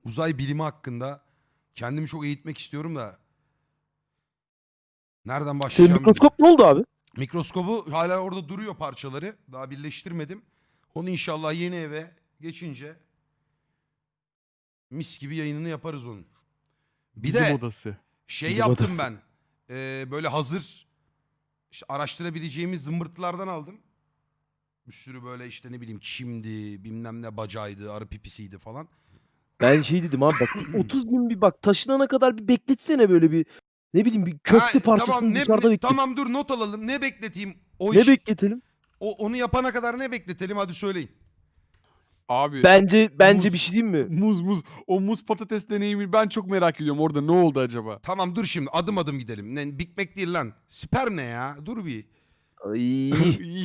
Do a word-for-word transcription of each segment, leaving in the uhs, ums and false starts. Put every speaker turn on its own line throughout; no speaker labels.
uzay bilimi hakkında kendimi çok eğitmek istiyorum da nereden
Senin
başlayacağım
mikroskop ne oldu abi?
Mikroskobu hala orada duruyor parçaları. Daha birleştirmedim. Onu inşallah yeni eve geçince mis gibi yayınını yaparız onun. Bir
Bilim
de
odası.
şey
Bilim
yaptım
odası.
ben. Ee, böyle hazır işte araştırabileceğimiz zımbırtılardan aldım. Bir sürü böyle işte ne bileyim çimdi, bilmem ne bacaydı, arı pipisiydi falan.
Ben şey dedim abi bak otuz gün bir bak taşınana kadar bir bekletsene böyle bir ne bileyim bir köfte
Ha,
parçasını
tamam ne,
dışarıda
ne-
beklet.
tamam dur not alalım. Ne bekleteyim? O
Ne
iş
bekletelim?
o, onu yapana kadar ne bekletelim hadi söyleyin.
Abi
Bence bence
muz,
bir şey diyeyim mi?
Muz muz. O muz patates deneyimi ben çok merak ediyorum. Orada ne oldu acaba?
Tamam dur şimdi adım adım gidelim. Ne, Big Mac değil lan. Sperm ne ya? Dur bir.
Ay.
İyi.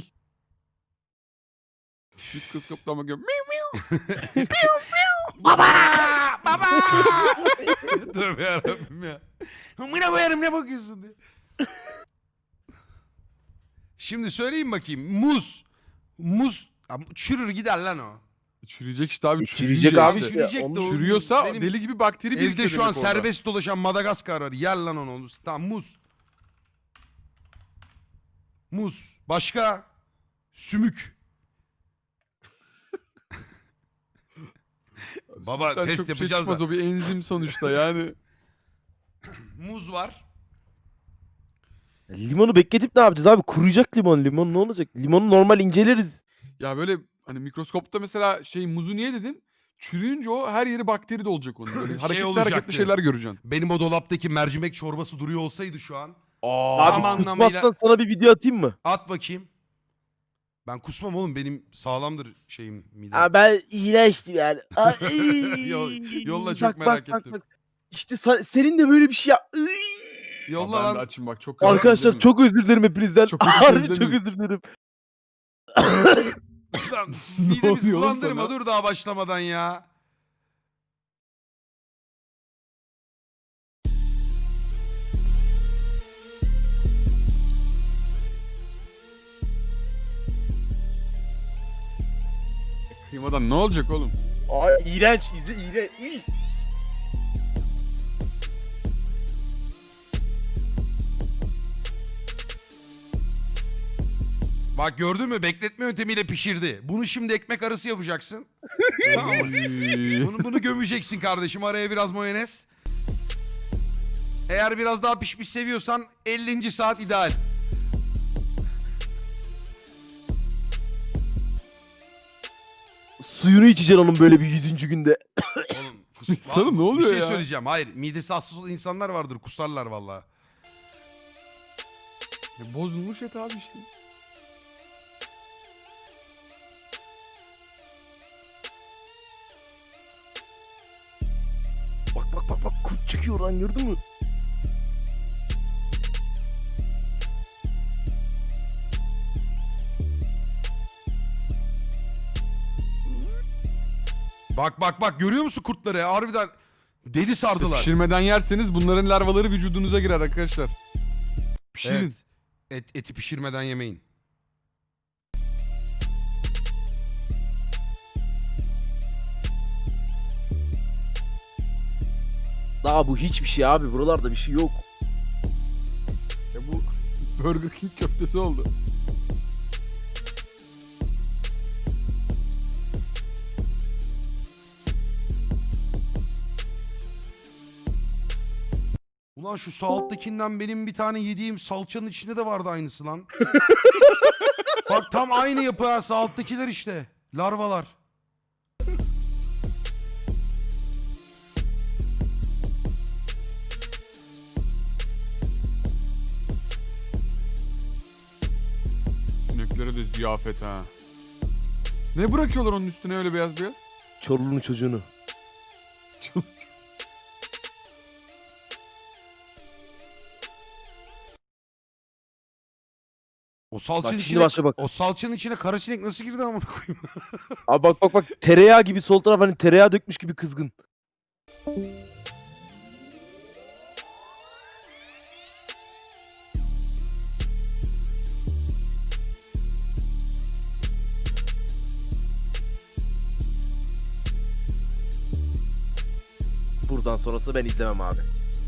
Mikroskoptan bakıyorum. Miu.
Baba! Baba! Tövbe yarabbim ya. Amına koyarım ne bakıyorsun diye. Şimdi söyleyeyim bakayım. Muz. Muz. Ama çürür gider lan o.
Çürüyecek işte abi.
E, çürüyecek
çürüyünce
abi
işte.
işte.
çürüyecek de
Onu
o-
Çürüyorsa
Benim
deli gibi bakteri birikiyor
Evde şu an
demek orada.
serbest dolaşan Madagaskar arı. Yer lan onu. Tamam muz. Muz. Başka? Sümük. Baba
Sütten
test
çok bir şey
yapacağız
çıkmaz,
da.
o bir enzim sonuçta yani.
Muz var.
Limonu bekletip ne yapacağız abi? Kuruyacak limon. Limon ne olacak? Limonu normal inceleriz.
Ya böyle hani mikroskopta mesela şey muzu niye dedim? Çürüyünce o her yeri bakteri de olacak onun. Böyle
Şey
hareketli
olacaktı.
hareketli şeyler göreceksin.
Benim o dolaptaki mercimek çorbası duruyor olsaydı şu an.
Aa,
Abi
Tam anlamıyla-
kusmazsan sana bir video atayım mı?
At bakayım. Ben kusmam oğlum. Benim sağlamdır şeyim midem.
Aa, ben iğrençtim yani. Ay,
Yol- yolla çok
bak,
merak
bak, bak,
ettim.
bak. İşte sa- senin de böyle bir şey yap. Iy.
Yolla
ben de
lan.
açayım bak çok özür
Arkadaşlar
dilerim.
çok özür dilerim hepinizden.
Çok özür
Harbi
dilerim.
çok özür dilerim.
Lan
Ne
midemizi
oluyor oğlum
bulandırma
sana?
dur daha başlamadan ya.
Kıymadan ne olacak oğlum?
Ay iğrenç, izi iğrenç. Iy.
Bak gördün mü bekletme yöntemiyle pişirdi. Bunu şimdi ekmek arası yapacaksın. Tamam mı? Bunu, bunu gömeceksin kardeşim. Araya biraz mayonez. Eğer biraz daha pişmiş seviyorsan ellinci saat ideal.
Suyunu içeceksin onun böyle bir yüzüncü günde.
Oğlum, kus-
Sana ne oluyor
Bir şey
ya?
söyleyeceğim. Hayır midesi hassas olan insanlar vardır. Kusarlar vallahi.
Ya bozulmuş et abi işte.
Bak bak bak bak kurt çıkıyor lan gördün mü?
Bak bak bak görüyor musun kurtları? ya? Harbiden deli sardılar.
Pişirmeden yerseniz bunların larvaları vücudunuza girer arkadaşlar. Pişirin.
Evet. Et, eti pişirmeden yemeyin.
Daha bu hiçbir şey abi buralarda bir şey yok.
Ya bu Burger King köftesi oldu.
Ulan şu sağ alttakinden benim bir tane yediğim salçanın içinde de vardı aynısı lan. Bak tam aynı yapı ha sağ alttakiler işte. Larvalar.
Sineklere de ziyafet ha. Ne bırakıyorlar onun üstüne öyle beyaz beyaz?
Çorlu'nun çocuğunu.
O salçanın
Bak şimdi
içine
başla bak.
o salçanın içine kara sinek nasıl girdi amına koyayım?
Abi bak bak bak tereyağı gibi sol taraf hani tereyağı dökmüş gibi kızgın. buradan sonrasını ben izlemem abi.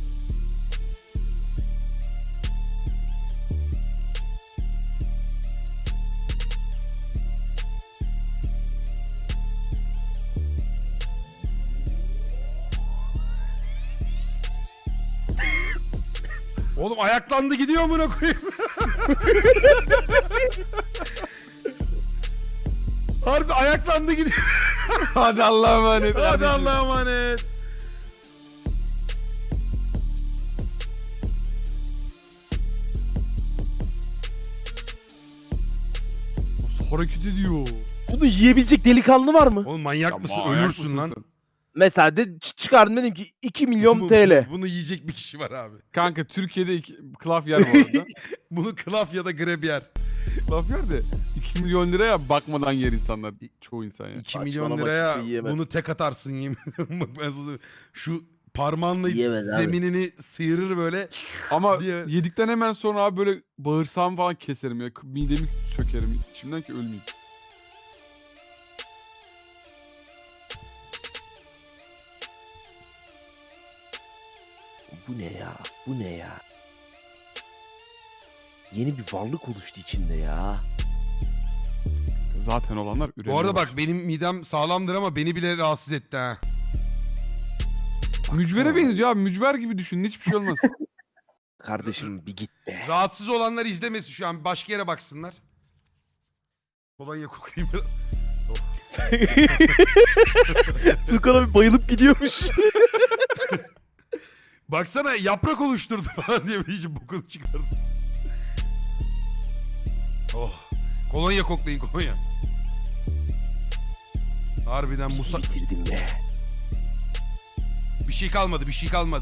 Oğlum ayaklandı gidiyor amına koyayım. Harbi ayaklandı gidiyor.
Hadi Allah'a emanet.
Hadi
kardeşim.
Allah'a emanet.
Nasıl hareket ediyor?
Bunu yiyebilecek delikanlı var mı?
Oğlum manyak
Ya
mısın?
manyak
Ölürsün
mısın
lan.
sen?
Mesela de ç- çıkardım dedim ki iki milyon
Bu-
T L.
bu- Bunu yiyecek bir kişi var abi.
Kanka Türkiye'de iki, klaf yer bu arada.
Bunu klaf ya da grab yer.
klaf yer de iki milyon liraya bakmadan yer insanlar. Çoğu insan ya.
iki milyon
Saçmalama,
liraya
kimse yiyemez.
bunu tek atarsın yemin ederim. Bak ben sana söyleyeyim. Şu parmağınla
Yiyemez abi.
zeminini sıyırır böyle.
Ama
diye-
yedikten hemen sonra abi böyle bağırsağımı falan keserim ya. Midemi sökerim içimden ki ölmeyeyim.
Bu ne ya? Bu ne ya? Yeni bir varlık oluştu içinde ya.
Zaten olanlar üretiyor.
Bu arada bak benim midem sağlamdır ama beni bile rahatsız etti ha.
Mücvere benziyor abi. Mücver gibi düşünün. Hiçbir şey olmaz.
Kardeşim bir git be.
Rahatsız olanlar izlemesin şu an. Başka yere baksınlar. Kolonya koklayayım biraz.
Tukan abi bayılıp gidiyormuş.
Baksana yaprak oluşturdu falan diye bir iyice bokunu çıkardı. Oh. Kolonya koklayın kolonya. Harbiden Musa...
Bitirdim be.
Bir şey kalmadı bir şey kalmadı.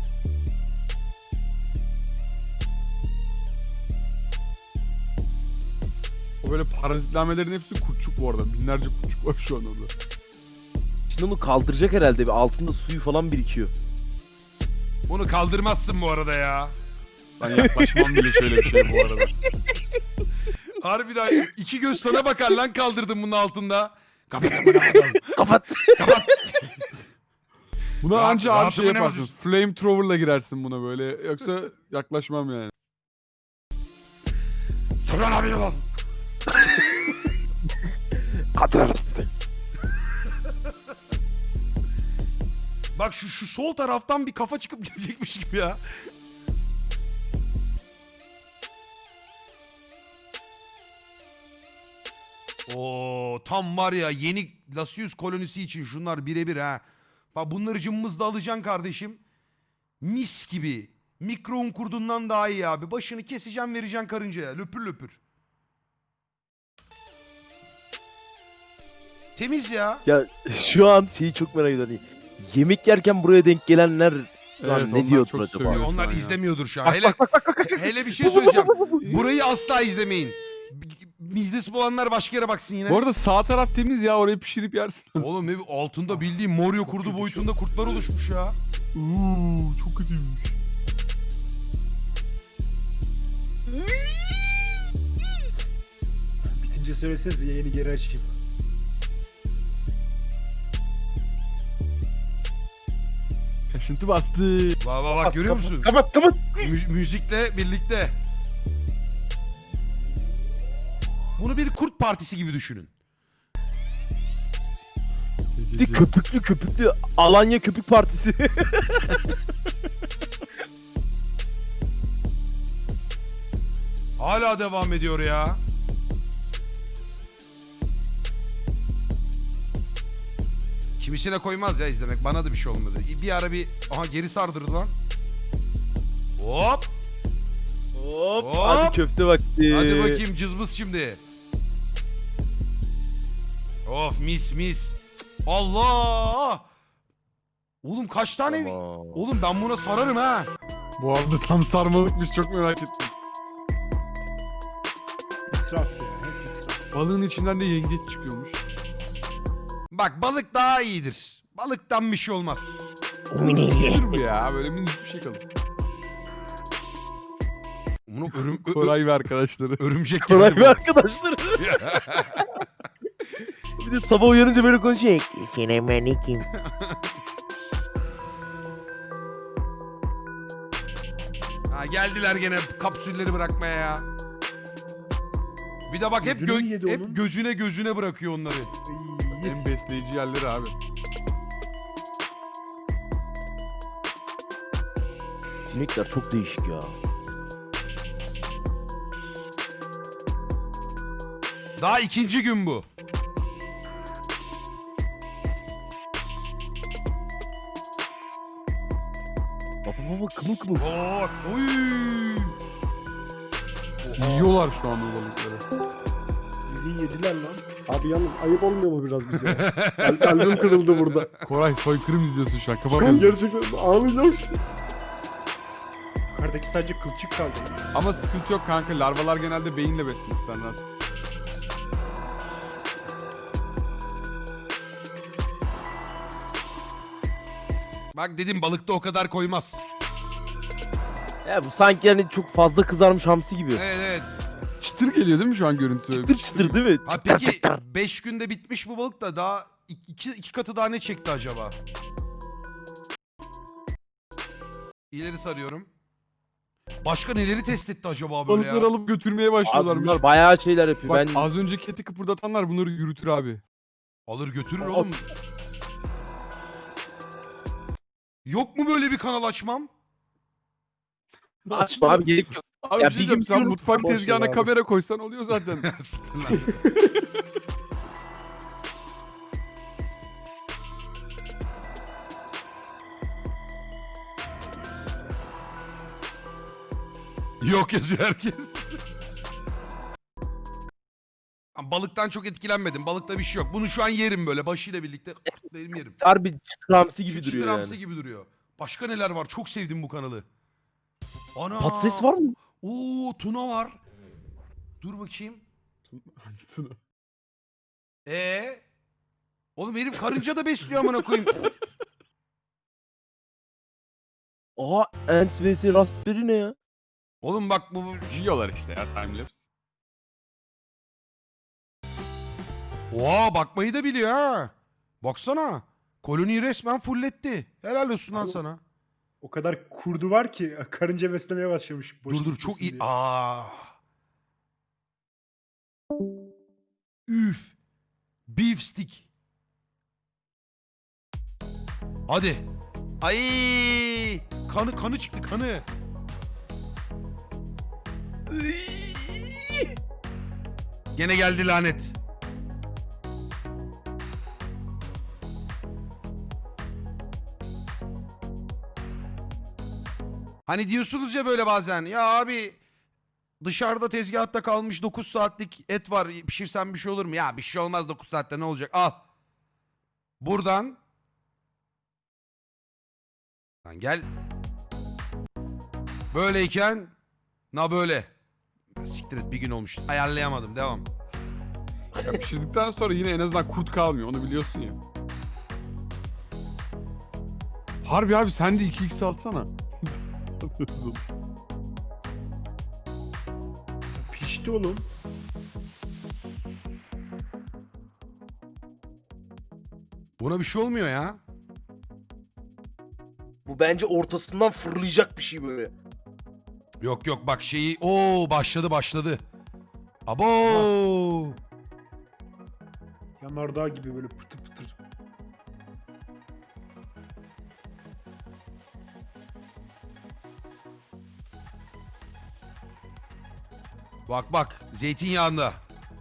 O böyle parazitlenmelerin hepsi kurtçuk bu arada. Binlerce kurtçuk var şu an orada.
Şimdi onu kaldıracak herhalde. Bir altında suyu falan birikiyor.
Bunu kaldırmazsın bu arada ya.
Ben yaklaşmam bile şöyle bir şey bu arada.
Harbiden iki göz sana bakar lan kaldırdım bunun altında. Kapat amına koyayım.
Kapat.
Kapat.
Buna
Rahat-
anca abi şey
rahatımı ne
yaparsın.
bozuyorsun?
Flamethrower'la girersin buna böyle. Yoksa yaklaşmam yani.
Sabran abi lan.
Katırarız.
Bak şu şu sol taraftan bir kafa çıkıp gidecekmiş gibi ya. Oo tam var ya yeni Lasius kolonisi için şunlar birebir ha. Bak bunları cımmızla alacaksın kardeşim. Mis gibi. Mikro un kurdundan daha iyi abi. Başını keseceksin vereceksin karıncaya. Löpür löpür. Temiz ya.
Ya şu an şeyi çok merak ediyorum. Hani yemek yerken buraya denk gelenler lan
Evet,
ne
onlar
diyordur
çok
acaba?
sövüyor. şu
Onlar
an ya.
izlemiyordur şu an.
Bak,
hele,
bak, bak, bak, bak.
hele bir şey söyleyeceğim. Burayı asla izlemeyin. Mizdesi olanlar başka yere baksın yine.
Bu arada sağ taraf temiz ya. Orayı pişirip yersin.
Oğlum ne altında bildiğim Moryo kurdu
kötü
boyutunda kurtlar oluşmuş ya.
Uuu çok kötüymüş.
Bitince söyleseniz yayını geri açayım.
Kaşıntı bastı.
Bak bak bak görüyor musun?
Kapat kapat.
Mü- müzikle birlikte. Bunu bir kurt partisi gibi düşünün.
Bir de köpüklü köpüklü Alanya Köpük Partisi.
Hala devam ediyor ya. Kimisine koymaz ya izlemek. Bana da bir şey olmadı. Bir ara bir... Aha geri sardırdı lan. Hop.
Hop.
Hop.
Hadi köfte vakti.
Hadi bakayım cızbız şimdi. Of mis mis. Allah. Oğlum kaç tane...
Tamam.
Oğlum ben buna sararım ha.
Bu arada tam sarmalıkmış çok merak ettim.
İsraf ya. Hep israf.
Balığın içinden de yengeç çıkıyormuş.
Bak balık daha iyidir. Balıktan bir şey olmaz.
Nedir bu ya? Böyle minicik bir şey kalır.
Bunu örüm, ö- ö-
Koray ve arkadaşları.
örümcek
Koray
geldi
ve
bu.
arkadaşlar. Bir de sabah uyanınca böyle konuşuyor. Selamünaleyküm.
Ha, geldiler gene kapsülleri bırakmaya ya. Bir de bak hep,
Gözünü
gö-
mü yedi
hep
onun?
gözüne gözüne bırakıyor onları.
Ay,
En besleyici yerleri abi.
Sinekler çok değişik ya.
Daha ikinci gün bu.
Baba baba kımıl kımıl.
Bak. Oy.
Yiyorlar şu an o balıkları.
bildiğin yediler lan. Abi yalnız ayıp olmuyor mu biraz bize? Kal- Kalbim kırıldı burada.
Koray soykırım izliyorsun şu an.
Ben
Kafam yazıyor.
gerçekten ağlayacağım şimdi. Yukarıdaki sadece kılçık kaldı.
Ama sıkıntı yok kanka. Larvalar genelde beyinle beslenir. Sen rahat.
Bak dedim balıkta o kadar koymaz.
Ya bu sanki hani çok fazla kızarmış hamsi gibi.
Evet evet.
Çıtır geliyor değil mi şu an görüntüsü? Öyle
Çıtır
bir
çıtır değil mi?
Ha
Çıtır
peki
çıtır.
beş günde bitmiş bu balık da daha iki, iki katı daha ne çekti acaba? İleri sarıyorum. Başka neleri test etti acaba böyle
Balıkları
ya?
alıp götürmeye
Abi
başlıyorlar.
bunlar bayağı şeyler yapıyor.
Bak
Ben
az önceki eti kıpırdatanlar bunları yürütür abi.
Alır götürür
Al-
oğlum. Yok mu böyle bir kanal açmam?
açma abi gerek yok.
Abi
Ya
bir
bir
şey
gün
diyeceğim, sen
diyorum,
mutfak
boş ver
tezgahına
abi.
kamera koysan oluyor zaten.
Sıktın lan. Yok yazıyor herkes. Ama balıktan çok etkilenmedim. Balıkta bir şey yok. Bunu şu an yerim böyle başıyla birlikte. Benim yerim.
Harbi çıtır hamsi gibi
Çıtır
duruyor
hamsi
yani.
gibi duruyor. Başka neler var? Çok sevdim bu kanalı. Ana.
Patates var mı?
Oo, tuna var. Dur bakayım.
Hangisini?
Ee? Oğlum herif karınca da besliyor amına koyayım.
Aha Ants vs Raspberry ne ya?
Oğlum bak bu bu-
Yiyorlar işte ya timelapse.
Oha bakmayı da biliyor ha. Baksana. Koloniyi resmen fulletti. Helal olsun lan
Abi-
sana.
O kadar kurdu var ki karınca beslemeye başlamış. boş
Dur dur
gitmesin
çok iyi.
diye.
Aa. Üf. Beef stick. Hadi. Ay! Kanı kanı çıktı kanı. Iy! Gene geldi lanet. Hani diyorsunuz ya böyle bazen. Ya abi dışarıda tezgahta kalmış dokuz saatlik et var. Pişirsen bir şey olur mu? Ya bir şey olmaz dokuz saatte ne olacak? Al. Buradan. Lan gel. Böyleyken. Na böyle. Siktir et bir gün olmuş. Ayarlayamadım. Devam.
Ya pişirdikten sonra yine en azından kurt kalmıyor. Onu biliyorsun ya. Harbi abi sen de iki x alsana.
Pişti oğlum.
Buna bir şey olmuyor ya.
Bu bence ortasından fırlayacak bir şey böyle.
Yok yok bak şeyi. Oo başladı başladı. Abo.
Yanardağ gibi böyle pıtır pıtır.
Bak bak zeytinyağında.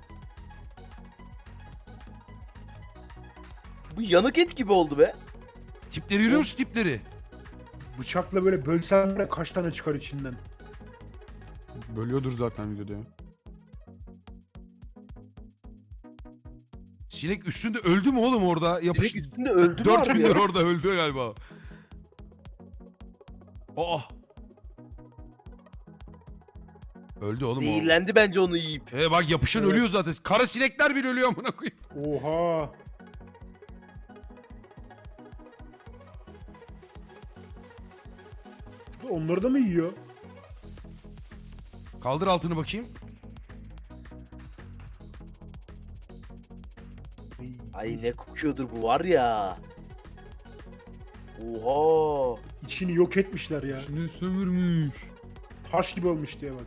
Bu yanık et gibi oldu be.
Tipleri görüyor musun tipleri?
Bıçakla böyle bölsen de kaç tane çıkar içinden.
Bölüyordur zaten videoda ya.
Sinek üstünde öldü mü oğlum orada? Yapış...
Direkt üstünde öldü mü
Dört
harbi
gündür
ya?
orada öldü galiba. Oh. Öldü oğlum o.
Zehirlendi bence onu yiyip.
E bak yapışan
Evet.
ölüyor zaten. Kara sinekler bile ölüyor amına koyayım.
Oha. Onları da mı yiyor?
Kaldır altını bakayım.
Ay.
Ay ne kokuyordur bu var ya. Oha.
İçini yok etmişler ya.
Şimdi sömürmüş.
Taş gibi olmuş diye bak.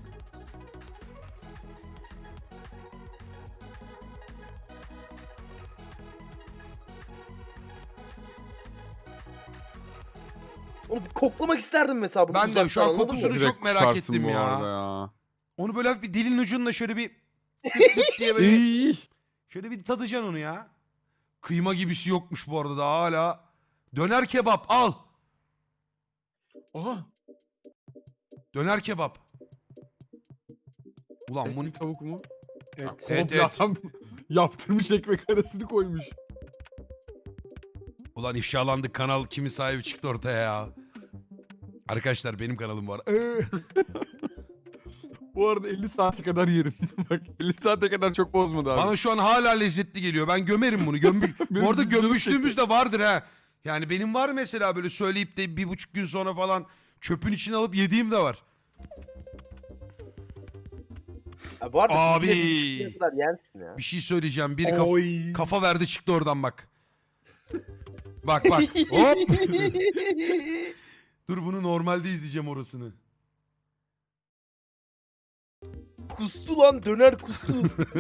Onu bir koklamak isterdim mesela bunu
Ben de
uzaktan,
şu an
anladın mı?
kokusunu
Direkt
çok merak
kusarsın
ettim
bu
ya.
arada ya.
Onu böyle hafif bir dilin ucunla şöyle bir tık tık diye böyle
İyi.
şöyle bir tadacaksın onu ya. Kıyma gibisi yokmuş bu arada daha hala. Döner kebap al.
Aha.
Döner kebap. Ulan
Et
bunu
mi tavuk mu?
Et.
Et,
Komple
et.
adam yaptırmış ekmek arasını koymuş.
ulan ifşalandık, kanal kimin sahibi çıktı ortaya ya. Arkadaşlar benim kanalım var. Ee,
Bu arada elli saate kadar yerim. Bak elli saate kadar çok bozmadı abi.
Bana şu an hala lezzetli geliyor. Ben gömerim bunu. Gömmüş...
Benim
Bu arada
canım
gömmüşlüğümüz de vardır ha. Yani benim var mesela böyle söyleyip de bir buçuk gün sonra falan çöpün içine alıp yediğim de var.
Ya bu arada
Abi.
bir de bir çıkana kadar yersin ya.
Bir şey söyleyeceğim. Biri kaf-
Oy.
kafa verdi çıktı oradan bak. Bak bak. Hop. Dur bunu normalde izleyeceğim orasını.
Kustu lan, döner kustu.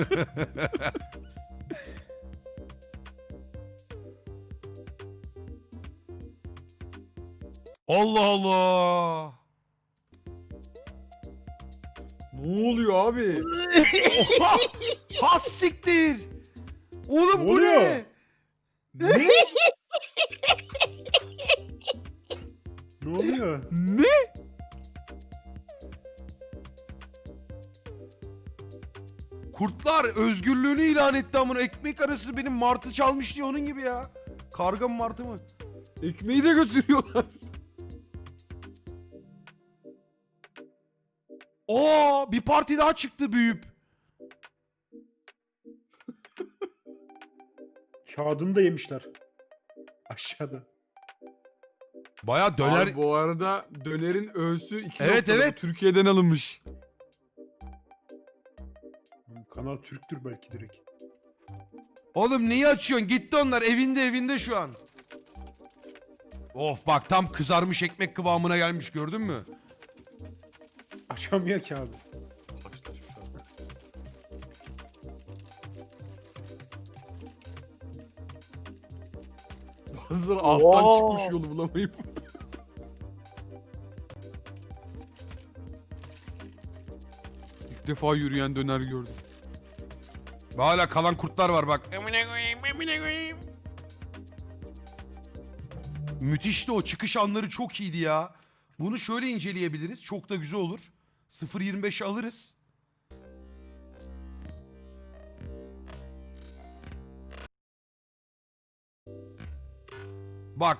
Allah Allah.
Ne oluyor abi?
Oha! Has siktir. Oğlum
Ne
bu
oluyor?
ne?
Ne? Ne oluyor?
Ne?
Kurtlar özgürlüğünü ilan etti amına. Ekmek arası benim martı çalmış diye onun gibi ya. Karga mı martı mı?
Ekmeği de götürüyorlar.
Aa, bir parti daha çıktı büyüyüp.
Kağıdını da yemişler. Aşağıda.
Baya döner.
Abi bu arada dönerin öğüsü iki
Evet,
noktalı.
evet.
Türkiye'den alınmış.
Kanal Türktür belki direkt.
Oğlum neyi açıyorsun? Gitti onlar evinde evinde şu an. Of bak tam kızarmış ekmek kıvamına gelmiş gördün mü?
Açamıyor kağıdı.
Bazıları alttan
Oo.
çıkmış yolu bulamayıp. İlk defa yürüyen döner gördüm.
Hala kalan kurtlar var bak. Müthişti o çıkış anları çok iyiydi ya. Bunu şöyle inceleyebiliriz. Çok da güzel olur. sıfır yirmi beş alırız. Bak.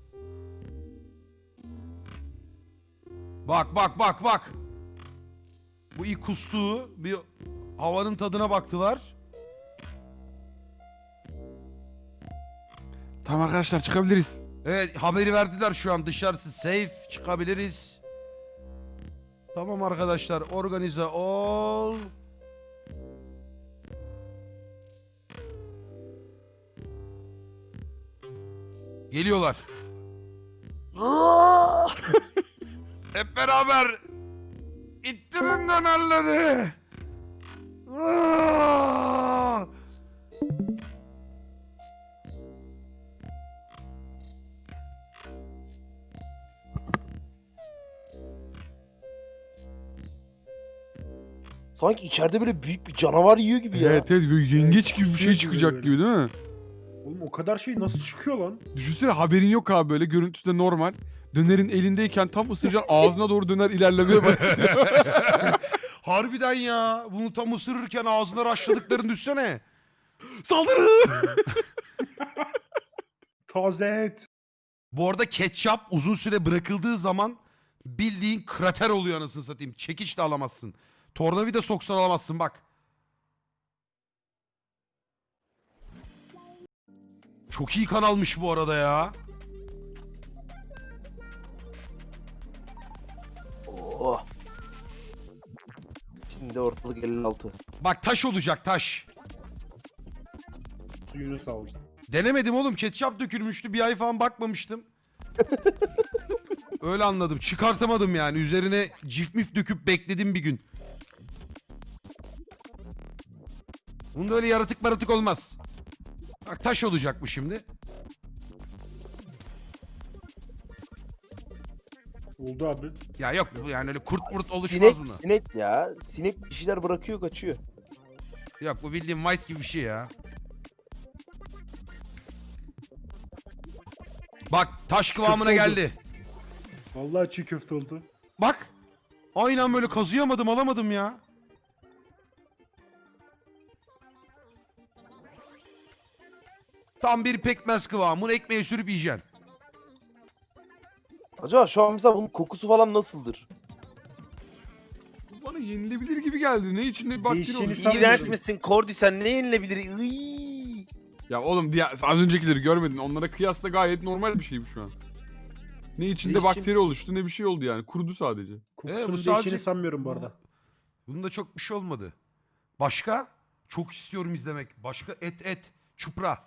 Bak bak bak bak. Bu ilk kustuğu bir havanın tadına baktılar.
Tamam arkadaşlar çıkabiliriz.
Evet haberi verdiler şu an dışarısı safe çıkabiliriz. Tamam arkadaşlar organize ol. Geliyorlar. Hep beraber ittirin dönerleri. Aa!
Sanki içeride böyle büyük bir canavar yiyor gibi ya.
Evet evet böyle yengeç gibi bir şey
kusuyor
çıkacak
gibi
gibi değil mi?
Oğlum o kadar şey nasıl çıkıyor lan?
Düşünsene haberin yok abi böyle görüntüsü de normal. Dönerin elindeyken tam ısıracaksın ağzına doğru döner ilerlemeye başlıyor.
Harbiden ya. Bunu tam ısırırken ağzına raşladıklarını düşsene.
Saldırı!
Taze et.
Bu arada ketçap uzun süre bırakıldığı zaman bildiğin krater oluyor anasını satayım. Çekiç de alamazsın. Tornavida soksan alamazsın bak. Çok iyi kanalmış bu arada ya.
Oh. Şimdi ortalık elli altı.
Bak taş olacak taş.
Suyunu sağ olsun.
Denemedim oğlum. Ketçap dökülmüştü. Bir ay falan bakmamıştım. Öyle anladım. Çıkartamadım yani. Üzerine cif mif döküp bekledim bir gün. Bunda öyle yaratık maratık olmaz. Bak taş olacak bu şimdi.
Oldu abi.
Ya yok bu yani öyle kurt murt oluşmaz
Sinek,
buna.
sinek ya. Sinek bir şeyler bırakıyor kaçıyor.
Yok bu bildiğin white gibi bir şey ya. Bak taş kıvamına
Kötü oldu.
geldi.
Vallahi çiğ köfte oldu.
Bak. Aynen böyle kazıyamadım alamadım ya. Tam bir pekmez kıvamı. Bunu ekmeğe sürüp yiyeceksin.
Acaba şu an mesela bunun kokusu falan nasıldır?
Bu bana yenilebilir gibi geldi. Ne içinde bir bakteri
Değişeceğini
olmuş.
sanmıyorum.
İğrenç misin Kordi, sen ne yenilebilir? Iiii.
Ya oğlum diğer, az öncekileri görmedin. Onlara kıyasla gayet normal bir şey bu şu an. Ne içinde
Değişim-
bakteri oluştu ne bir şey oldu yani. Kurudu sadece.
Kokusunun
bu
değiştiğini
sadece-
sanmıyorum bu arada.
Bunda çok bir şey olmadı. Başka? Çok istiyorum izlemek. Başka et et. Çupra.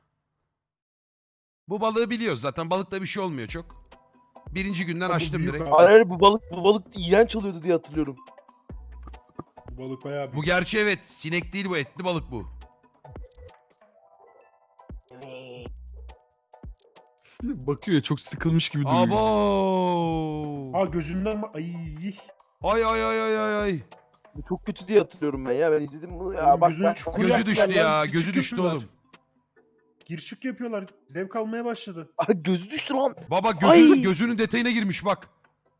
Bu balığı biliyoruz zaten. Balıkta bir şey olmuyor çok. Birinci günden
Ama bu
açtım
büyük
direkt.
abi.
Hayır hayır, bu balık bu balık iğrenç oluyordu diye hatırlıyorum.
Bu balık bayağı
Bu
büyük.
gerçi evet. Sinek değil bu. Etli balık bu.
Bakıyor ya çok sıkılmış gibi duruyor.
Abo.
Aa gözünden ma- ay.
Ay ay ay ay ay ay.
Bu çok kötü diye hatırlıyorum ben ya. Ben izledim bunu ya.
Oğlum
Bak
gözünü
ben
çukur
Gözü
yaptılar
düştü
lan,
ya.
küçük
Gözü düştü
yapıyorlar.
oğlum.
Gir çık yapıyorlar. Zevk almaya başladı.
Aa, gözü düştü lan.
Baba gözü,
Ay.
gözünün detayına girmiş bak.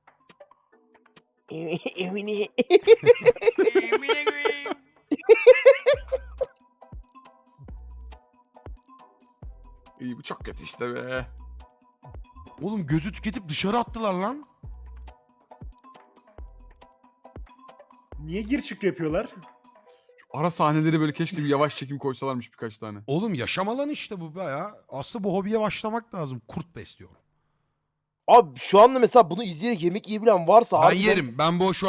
Emine.
İyi bu çok kötü işte be.
Oğlum gözü tüketip dışarı attılar lan.
Niye gir çık yapıyorlar?
Şu ara sahneleri böyle keşke bir yavaş çekim koysalarmış birkaç tane.
Oğlum yaşam alanı işte bu be ya. Aslında bu hobiye başlamak lazım. Kurt besliyorum.
Abi şu anda mesela bunu izleyerek yemek yiyebilen varsa
Ben
harbiden
yerim. Ben bu şu